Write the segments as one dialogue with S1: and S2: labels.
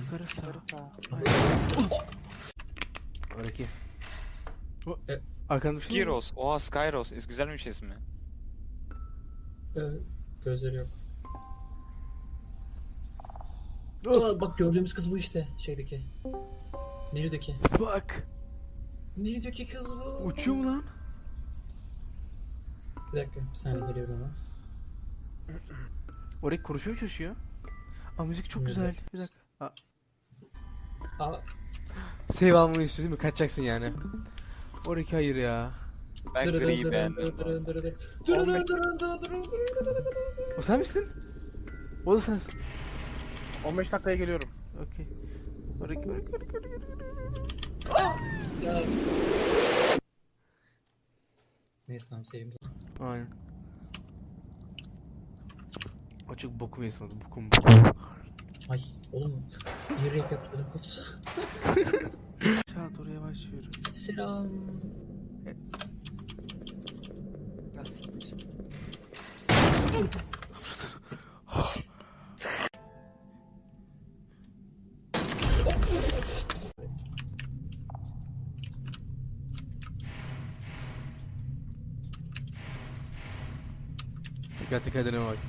S1: Yukarı sağ. Oraki. Arkanda bir şey mi?
S2: Gyros. Oha, Skyros. Güzelmiş ismi.
S3: Gözleri yok. Aa, bak gördüğümüz kız bu işte şeydeki. Menüdeki.
S1: Bak.
S3: Menüdeki kız bu.
S1: Uçuyor mu lan?
S3: Bir dakika bir saniye geliyorum ama.
S1: Oraki konuşmaya mı çalışıyor? Aa müzik çok güzel. Bir dakika.
S3: Aa,
S1: Save almanı istiyor değil mi? Kaçacaksın yani. Oraki hayır ya.
S2: Ben griyi beğendim.
S1: O sen misin? O da sensin.
S4: 15 dakikaya geliyorum.
S1: Okey. Oraki.
S3: ya. Neyse tamam seveyim.
S1: Aynen. O çok bokum yesmedi. Bokum.
S3: Ay oğlum. Bir rap yapıyordum koptu.
S1: Aşağı doğru yavaş yürü.
S3: Selam.
S2: Nasıl?
S1: Dikkat edene bak.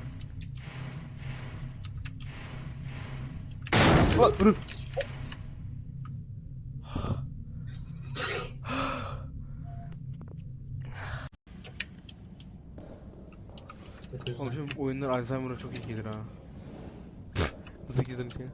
S1: Oğlum şu oyunlar Alzheimer'a çok iyi gelir ha. Nasıl gizlenir ki?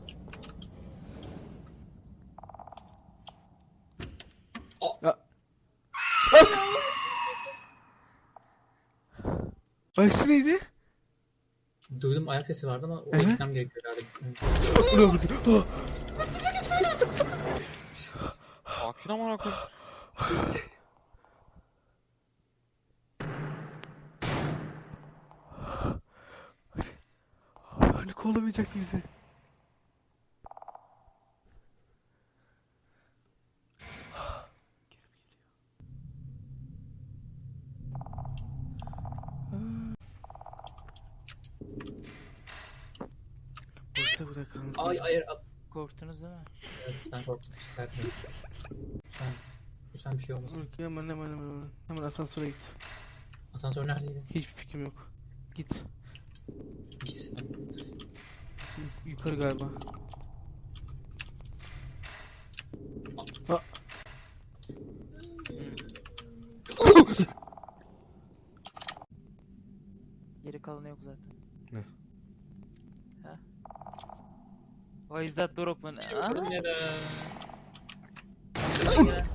S1: Aksi neydi?
S3: Duydum ayak sesi vardı ama o
S1: Hı hı.
S3: gitmem gerekiyor herhalde.
S1: Bu ne oldu?
S2: Sakin amına koyayım.
S1: Hani kollamayacaktı bizi. Burada burada kalmış.
S3: Ay hayır.
S5: Korktunuz değil mi?
S3: Evet ben korktum. Çıkartmayayım. Lütfen bir şey olmasın.
S1: Hemen asansöre git.
S3: Asansör neredeydi?
S1: Hiçbir fikrim yok. Git.
S3: Gitsin.
S1: Yukarı galiba.
S5: Geri kalanı yok zaten.
S1: Ne?
S5: Ha? Why is that door open? Ha?
S3: Neden?
S5: Ya.